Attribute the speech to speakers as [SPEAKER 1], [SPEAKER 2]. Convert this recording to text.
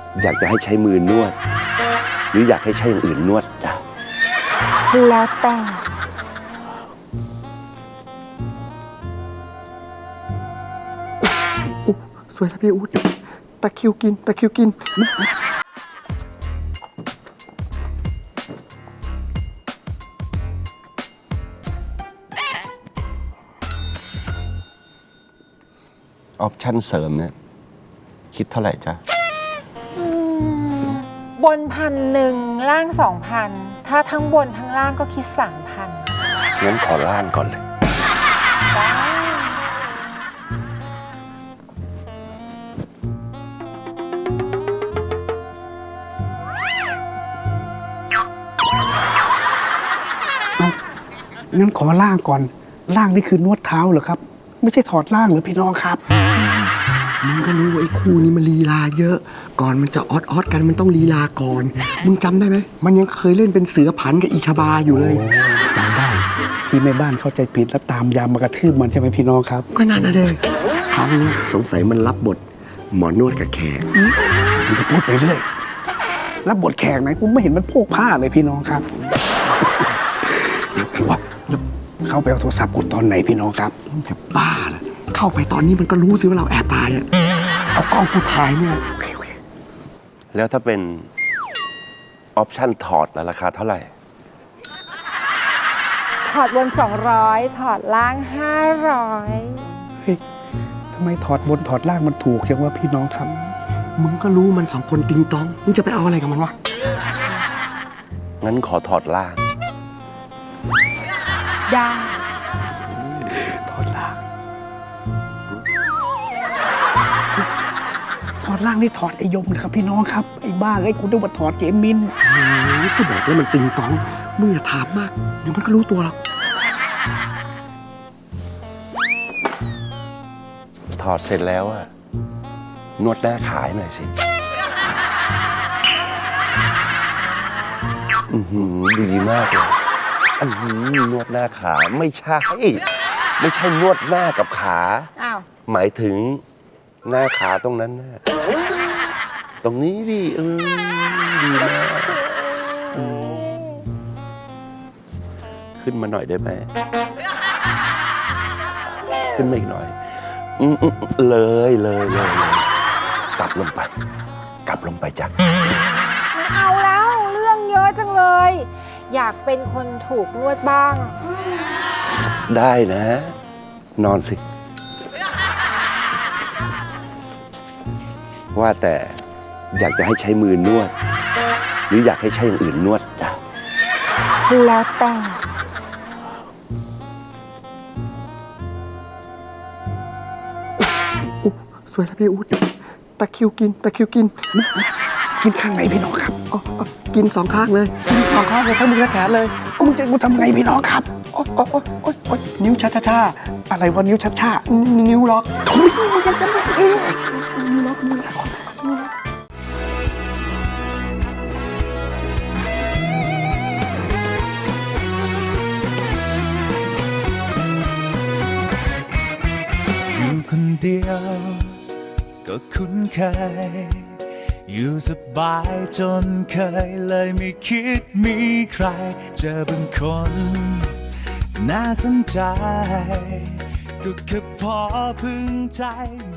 [SPEAKER 1] อยากจะให้ใช้มือนวด หรืออยากให้ใช้อย่างอื่นนวดจ้ะ
[SPEAKER 2] แล้วแต่
[SPEAKER 3] สวยแล้วพี่อู๊ดตะคริวกิน
[SPEAKER 1] ออปชั่นเสริมเนี่ยคิดเท่าไหร่จ๊ะ
[SPEAKER 2] บน1,000ล่าง2,000ถ้าทั้งบนทั้งล่างก็คิด3,000
[SPEAKER 1] งั้นขอล่างก่อนเลย
[SPEAKER 3] งั้นขอล่างก่อนล่างนี่คือนวดเท้าเหรอครับไม่ใช่ถอดล่างเหรอพี่น้องครับ
[SPEAKER 4] มึงก็รู้ว่าไอ้คู่นี้มันลีลาเยอะก่อนมันจะออดกันมันต้องลีลาก่อนมึงจำได้ไหมมันยังเคยเล่นเป็นเสือผันกับอีชาบาอยู่เลย
[SPEAKER 3] จำได้ที่แม่บ้านเข้าใจผิดแล้วตามยามมากระทืบมันใช่ไหมพี่น้องครับ
[SPEAKER 4] ก็นั่นนะเด้ครั้งนี้สงสัยมันรับบทหมอนวดกับแขก
[SPEAKER 3] มึงก็พูดไปเรื่อยรับบทแขกไหนกูไม่เห็นมันโพกผ้าเลยพี่น้องครับว่าเข้าไปเอาโทรศัพท์กูตอนไหนพี่น้องครับ
[SPEAKER 4] มึงจะบ้าเหรอเข้าไปตอนนี้มันก็รู้สิว่าเราแอบตายอ่ะเอากล้องกูถ่ายเนี่ย
[SPEAKER 3] โอเค
[SPEAKER 1] แล้วถ้าเป็นออปชั่นถอดแล้วราคาเท่าไหร่
[SPEAKER 2] ถอดบน200ถอดล่าง500
[SPEAKER 3] เฮ้ยทำไมถอดบนถอดล่างมันถูกจังว่าพี่น้องครับ
[SPEAKER 4] มึงก็รู้มัน2คนติงตองมึงจะไปเอาอะไรกับมันวะ
[SPEAKER 1] งั้นขอถอดล่าง
[SPEAKER 2] ได้
[SPEAKER 3] ถอดล่างนี่ถอดไอยมนะครับพี่น้องครับไอ้บ้าไอ้กูต้องมาถอดเจมิน
[SPEAKER 4] ก็บอกว่ามันติงตองมึงอย่าถามมากเดี๋ยวมันก็รู้ตัวหรอก
[SPEAKER 1] ถอดเสร็จแล้วอะนวดหน้าขายหน่อยสิดีมากเลยนวดหน้าขาไม่ใช่นวดหน้ากับขาหมายถึงหน้าขาตรงนั้นนะตรงนี้ดิดีมากขึ้นมาหน่อยได้ไหมขึ้นมาอีกหน่อยเลยกลับลงไปจ้ะ
[SPEAKER 2] ไม่เอาแล้วเรื่องเยอะจังเลยอยากเป็นคนถูกนวดบ้าง
[SPEAKER 1] ได้นะ นอนสิว่าแต่อยากจะให้ใช้มือนวด หรืออยากให้ใช้อย่างอื่นนวดจ้ะ
[SPEAKER 2] แล้วแต่
[SPEAKER 3] สวยแล้วพี่อู๊ดตะคริวกินข้างไหนพี่น้องครับ
[SPEAKER 4] กิน2 ข้างเลย
[SPEAKER 3] ทั้งมือและแขนเลยมึงจะทำไงพี่น้องครับโอ๊ยนิ้วช้าอะไรวะนิ้วช้านิ้วล็อกมึงจะทำไงนิ้วล็อก
[SPEAKER 5] อยู่คนเดียวก็คุ้นเคยอยู่สบายจนเคยเลยไม่คิดมีใครเจอบางคนน่าสนใจก็แค่พอพึงใจ